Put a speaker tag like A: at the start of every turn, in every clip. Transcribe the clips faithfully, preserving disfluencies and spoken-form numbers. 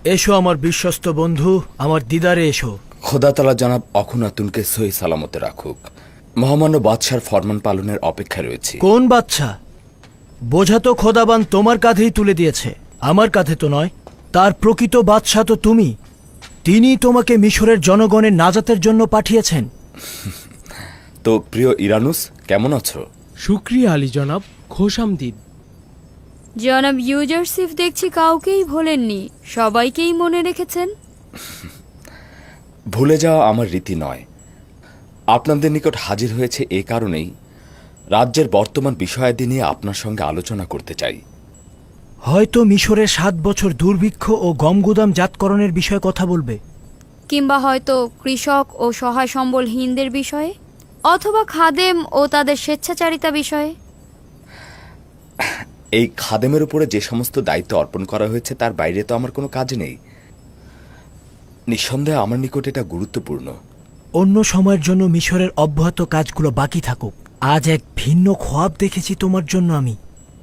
A: এসো আমার বিশ্বস্ত বন্ধু, আমার দিদারে এসো।
B: খোদা তাআলা জনাব অখুনাতুনকে সহি সালামতে রাখুক। মহামান্য বাদশার ফরমান পালনের অপেক্ষায় রয়েছি।
A: কোন বাদশা? বোঝা তো খোদাবান তোমার কাঁধেই তুলে দিয়েছে, আমার কাঁধে তো নয়। তার প্রকৃত বাদশা তো তুমি। তিনি তোমাকে মিশরের জনগণের নাজাতের জন্য পাঠিয়েছেন।
B: তো প্রিয় ইরানুস, কেমন আছো?
C: শুক্রিয়া আলী জনাব, খোশামদিদ।
D: জনাব ইউজারসিফ দেখছি কাউকেই ভোলেননি, সবাইকেই মনে রেখেছেন।
B: ভুলে যাওয়া আমার রীতি নয়। আপনাদের নিকট হাজির হয়েছে এ কারণেই, রাজ্যের বর্তমান বিষয়াদি নিয়ে আপনার সঙ্গে আলোচনা করতে চাই।
A: হয়তো মিশরের সাত বছর দুর্ভিক্ষ ও গমগুদাম জাতকরণের বিষয়ে কথা বলবে,
D: কিংবা হয়তো কৃষক ও সহায় সম্বলহীনদের বিষয়ে, অথবা খাদেম ও তাদের স্বেচ্ছাচারিতা বিষয়ে।
B: এই খাদেমের উপরে যে সমস্ত দায়িত্ব অর্পণ করা হয়েছে তার বাইরে তো আমার কোনো কাজ নেই। নিঃসন্দেহে আমার নিকট এটা গুরুত্বপূর্ণ।
A: অন্য সময়ের জন্য মিশরের অব্যাহত কাজগুলো বাকি থাকুক। আজ এক ভিন্ন খোয়াব দেখেছি তোমার জন্য আমি।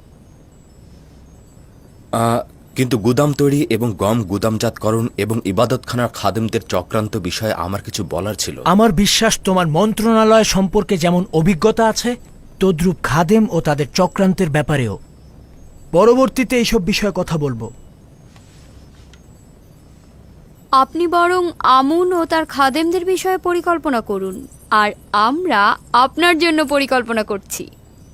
B: কিন্তু গুদাম তৈরি এবং গম গুদামজাতকরণ এবং ইবাদতখানার খাদেমদের চক্রান্ত বিষয়ে আমার কিছু বলার ছিল।
A: আমার বিশ্বাস তোমার মন্ত্রণালয় সম্পর্কে যেমন অভিজ্ঞতা আছে, তদ্রূপ খাদেম ও তাদের চক্রান্তের ব্যাপারেও। পরবর্তীতে এইসব বিষয়ে কথা বলবো।
D: আপনি বরং আমুন ও তার খাদেমদের বিষয়ে পরিকল্পনা করুন, আর আমরা আপনার জন্য পরিকল্পনা করছি।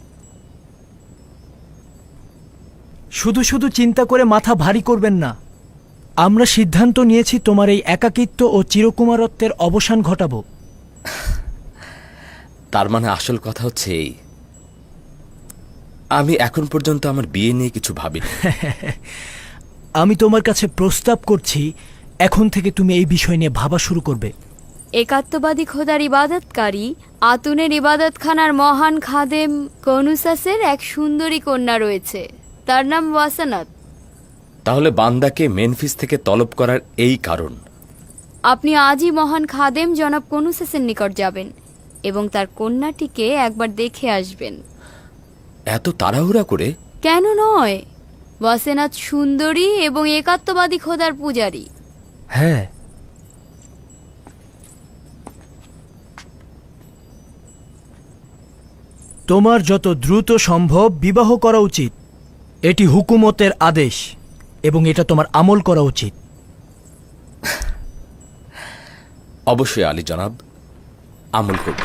A: শুধু শুধু চিন্তা করে মাথা ভারী করবেন না। আমরা সিদ্ধান্ত নিয়েছি তোমার এই একাকিত্ব ও চিরকুমারত্বের অবসান ঘটাবো।
B: তার মানে আসল কথা হচ্ছে এই, আমি এখন পর্যন্ত আমার বিয়ে নিয়ে কিছু ভাবিনি।
A: আমি তোমার কাছে প্রস্তাব করছি, এখন থেকে তুমি এই বিষয় নিয়ে ভাবা শুরু করবে।
D: একাত্মবাদী খোদার ইবাদতকারী আতুনের ইবাদতখানার মহান খাদেম কনুসাসের এক সুন্দরী কন্যা রয়েছে, তার নাম ওয়াসানাত।
B: তাহলে বান্দাকে মেনফিস থেকে তলব করার এই কারণ।
D: আপনি আজই মহান খাদেম জনাব কনুসাসের নিকট যাবেন এবং তার কন্যাটিকে একবার দেখে আসবেন।
B: এত তাড়াহুড়া করে?
D: কেন নয়, ওয়াসেনাত সুন্দরী এবং একাত্মবাদী খোদার পূজারী।
A: হ্যাঁ, তোমার যত দ্রুত সম্ভব বিবাহ করা উচিত। এটি হুকুমতের আদেশ এবং এটা তোমার আমল করা উচিত।
B: অবশ্যই আলী জনাব, আমল করব।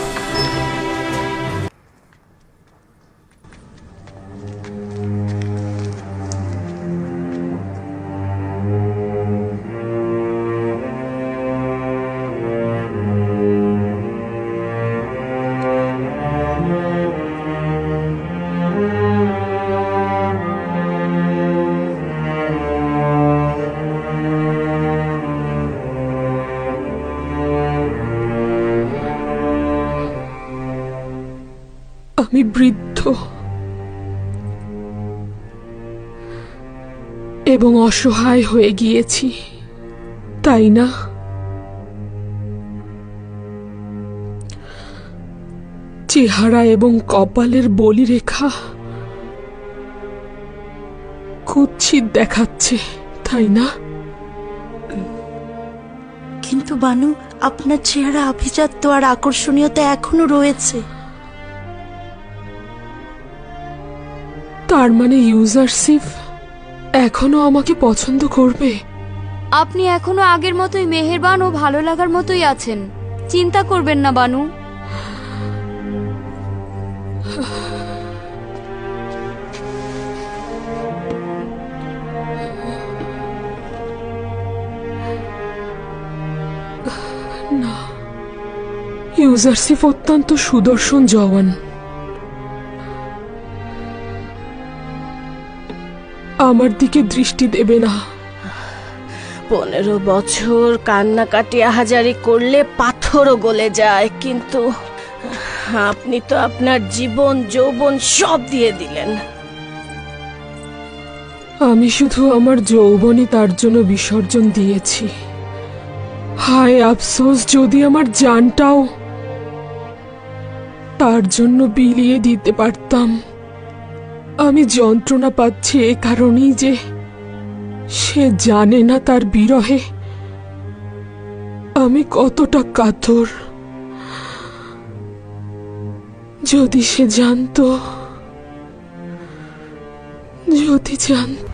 E: আমি বৃদ্ধ এবং অসহায় হয়ে গিয়েছি, তাই না? চেহারা এবং কপালের বলিরেখা কুৎসিত দেখাচ্ছে, তাই না?
F: কিন্তু বানু, আপনার চেহারা আভিজাত্য আর আকর্ষণীয়তা এখনো রয়েছে।
E: তার মানে ইউজারসিফ এখনো আমাকে পছন্দ করবে?
D: আপনি এখনো আগের মতোই মেহেরবান ও ভালো লাগার মতোই আছেন, চিন্তা করবেন না বানু।
E: না, ইউজারসিফ অত্যন্ত সুদর্শন জওয়ান। আমার দিকে দৃষ্টি দেবে না।
F: পনেরো বছর কান্নাকাটি আহাজারি করলে পাথরও গলে যায়, কিন্তু আপনি তো আপনার জীবন যৌবন সব দিয়ে দিলেন।
E: আমি শুধু আমার যৌবনই তার জন্য বিসর্জন দিয়েছি। হায় আফসোস, যদি আমার জানটাও তার জন্য বিলিয়ে দিতে পারতাম। আমি যন্ত্রণা পাচ্ছি এ কারণেই যে সে জানে না তার বিরহে আমি কতটা কাতর। যদি সে জানতো, যদি জানতো।